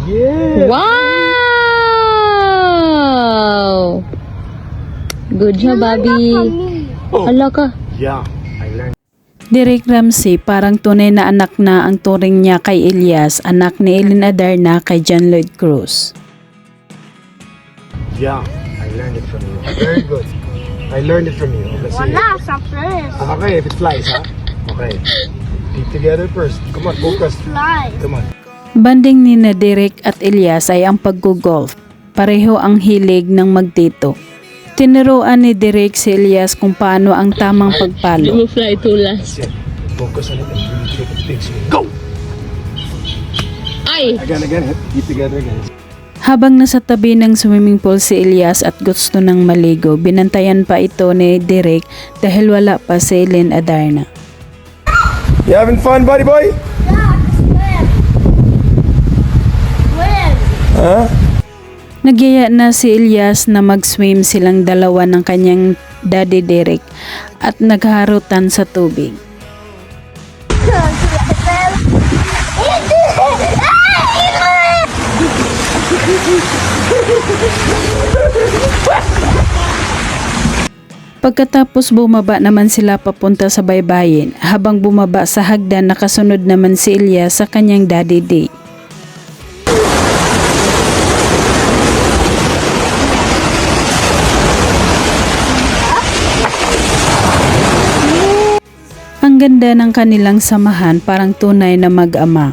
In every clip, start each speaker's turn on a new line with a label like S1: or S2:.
S1: Yeah.
S2: Wow! Good job, Bobby. Hala ka.
S1: Yeah, I learned.
S3: Derek Ramsey parang tunay na anak na ang turing niya kay Elias, anak ni Ellen Adarna kay John Lloyd Cruz.
S1: Yeah, I learned it from you. Very good. I learned it from you. Let's see.
S4: Wala, sa first.
S1: Okay, if it flies, huh? Okay. Keep together first. Come on, focus.
S4: Fly.
S1: Come on.
S3: Banding ni na Derek at Elias ay ang pag-golf. Pareho ang hilig ng magtito. Tinuruan ni Derek si Elias kung paano ang tamang
S2: Hindi
S3: pagpalo.
S2: mo fly too last.
S1: That's it. Focus on it and really take a big swing. Go!
S2: Ay!
S1: Again. Keep together again.
S3: Habang nasa tabi ng swimming pool si Elias at gusto ng maligo, binantayan pa ito ni Derek dahil wala pa si Ellen Adarna.
S1: You having fun, buddy boy? Huh?
S3: Nagyaya na si Elias na mag-swim silang dalawa ng kanyang daddy Derek at nagharutan sa tubig. Pagkatapos bumaba naman sila papunta sa baybayin. Habang bumaba sa hagdan, nakasunod naman si Elias sa kanyang daddy day. Ang ganda ng kanilang samahan, parang tunay na mag-ama.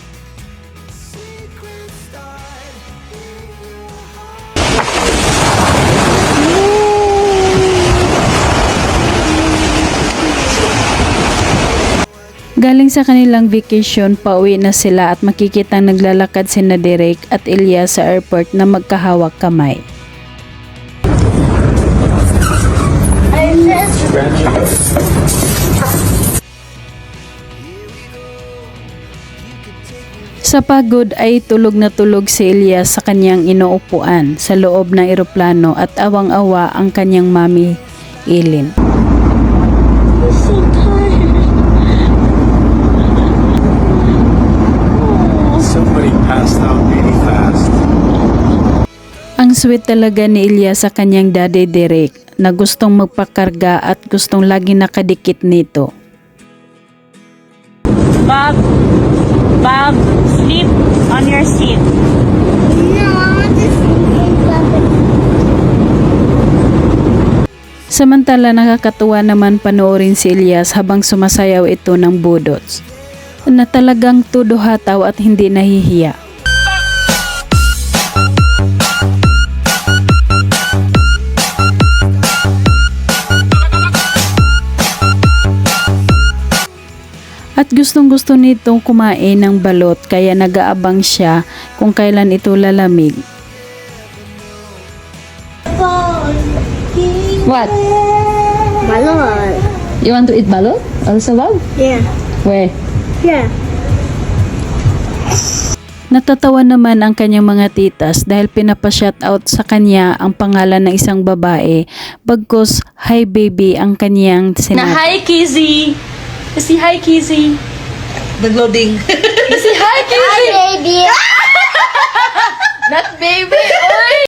S3: Galing sa kanilang vacation, pauwi na sila at makikitang naglalakad sina Derek at Elias sa airport na magkahawak kamay. Sa pagod ay tulog na tulog si Elias sa kanyang inuupuan sa loob ng eroplano at awang-awa ang kanyang mami, Ellen.
S1: Somebody passed out really fast.
S3: Ang sweet talaga ni Elias sa kanyang daddy Derek na gustong magpakarga at gustong lagi nakadikit nito.
S5: Bob, sleep on your seat.
S4: No, I want to see.
S3: Samantala nakakatuwa naman panoorin si Elias habang sumasayaw ito ng budots na talagang todo hataw at hindi nahihiya. At gustong-gusto nitong kumain ng balot kaya nag-aabang siya kung kailan ito lalamig.
S2: What?
S4: Balot.
S2: You want to eat balot? Also, Bob?
S4: Yeah.
S2: Where?
S4: Yeah.
S3: Natatawa naman ang kanyang mga titas dahil pinapa-shoutout sa kanya ang pangalan ng isang babae bagkus hi baby ang kanyang sinabi.
S5: Hi, Kizzy! Say hi, Kizzy!
S6: Nag-loading.
S5: Say hi, Kizzy!
S4: Hi, baby.
S2: Not baby! Oy!